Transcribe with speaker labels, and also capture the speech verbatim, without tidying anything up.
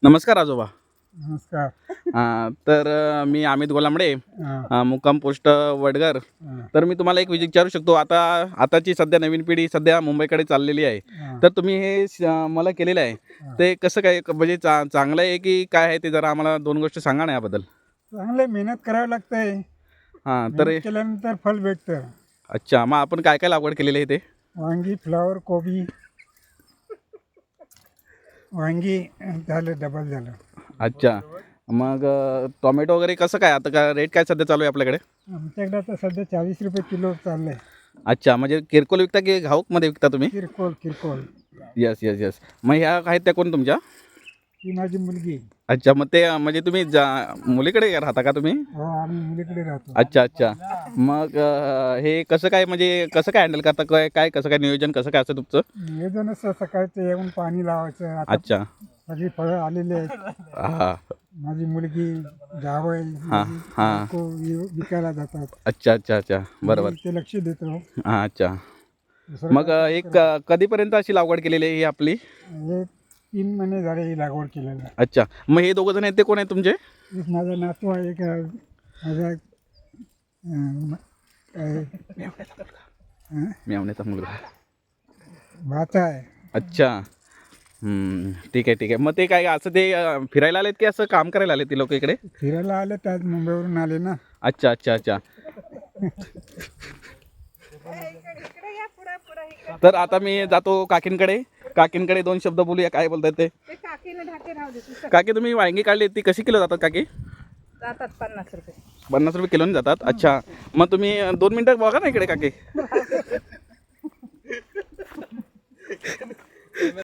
Speaker 1: नमस्कार आजोबा.
Speaker 2: नमस्कार.
Speaker 1: अ, तर अ, मी अमित गोलांबडे,
Speaker 2: हां,
Speaker 1: अ, मुक्काम पोस्ट वडगर.
Speaker 2: हां,
Speaker 1: तर मी तुम्हाला एक विचारू शकतो, आता आताची सध्या नवीन पिढी सध्या मुंबईकडे चाललेली आहे.
Speaker 2: हां,
Speaker 1: तर तुम्ही हे श मला केलेलं आहे,
Speaker 2: हां.
Speaker 1: ते कसं काय क- म्हणजे चा चांगलं आहे की काय आहे, ते जरा आम्हाला दोन गोष्टी सांगा ना याबद्दल.
Speaker 2: चांगलं मेहनत करावी लागते.
Speaker 1: हां, तर
Speaker 2: मेहनत केल्यानंतर फळ भेटतं.
Speaker 1: अच्छा, मग आपण काय काय लागवड केलेली आहे ते?
Speaker 2: वांगी, फ्लावर, कोबी. वांगी अं, झालं, डबल झालं.
Speaker 1: अच्छा, मग अ, टोमॅटो वगैरे कसं काय, आता का रेट काय सध्या चालू आहे आपल्याकडे?
Speaker 2: आमच्याकडे आता सध्या चाळीस रुपये किलो चाललंय.
Speaker 1: अच्छा, म्हणजे किरकोळ विकता की घाऊकमध्ये विकता तुम्ही?
Speaker 2: किरकोळ किरकोळ.
Speaker 1: Yes yes yes. मग ह्या आहेत त्या कोण तुमच्या?
Speaker 2: ही माझी मुलगी.
Speaker 1: अच्छा, मग ते अ, म्हणजे तुम्ही जा मुलीकडे राहता का तुम्ही?
Speaker 2: हो, आम्ही मुलीकडे राहतो.
Speaker 1: अच्छा अच्छा. मग अ, हे कसं काय, म्हणजे कसं काय हँडल करता, काय काय कसं काय नियोजन कसं काय असतं तुमचं?
Speaker 2: नियोजन असं सकाळचं येऊन पाणी लावायचं. आता
Speaker 1: अच्छा.
Speaker 2: सगळी फळं आलेली आहेत.
Speaker 1: हां
Speaker 2: माझी मुलगी, जावई,
Speaker 1: हां
Speaker 2: माझी
Speaker 1: हां.
Speaker 2: बायको वि- विकायला जातात.
Speaker 1: अच्छा अच्छा अच्छा, बरोबर.
Speaker 2: मी ते लक्ष देतो.
Speaker 1: हां, अच्छा.
Speaker 2: दुसरं
Speaker 1: मग
Speaker 2: काय
Speaker 1: अ,
Speaker 2: काम
Speaker 1: एक
Speaker 2: करत
Speaker 1: अ, कधीपर्यंत अशी लागवड केलेली आहे ही आपली?
Speaker 2: हे तीन महिने झाले ही लागवड केलेलं.
Speaker 1: अच्छा, मग हे दोघं जण आहेत ते कोण आहेत तुमचे?
Speaker 2: एक माझा नातू आहे, एक अं, माझा अं, काय, अं,
Speaker 1: मेवण्याचा मुलगा.
Speaker 2: भाचा आहे.
Speaker 1: अच्छा. हम्म, ठीक आहे ठीक आहे. मग ते काय असं ते अ, फिरायला आलेत की असं काम करायला आलेत ती लोक इकडे?
Speaker 2: फिरायला आले तर आज मुंबईवरून आले ना.
Speaker 1: अच्छा अच्छा अच्छा. तर आता मी जातो काकींकडे. काकींकडे दोन शब्द बोलूया, काय बोलतात ते.
Speaker 3: ते काकीने ढाके राहू दे तू
Speaker 1: काकी, तुम्ही वांगी काढली ती कशी किलो जातात काकी?
Speaker 3: जातात पन्नास रुपये.
Speaker 1: पन्नास रुपये किलोने जातात. अच्छा, मग तुम्ही अ, दोन मिनटं बघा ना इकडे काकी.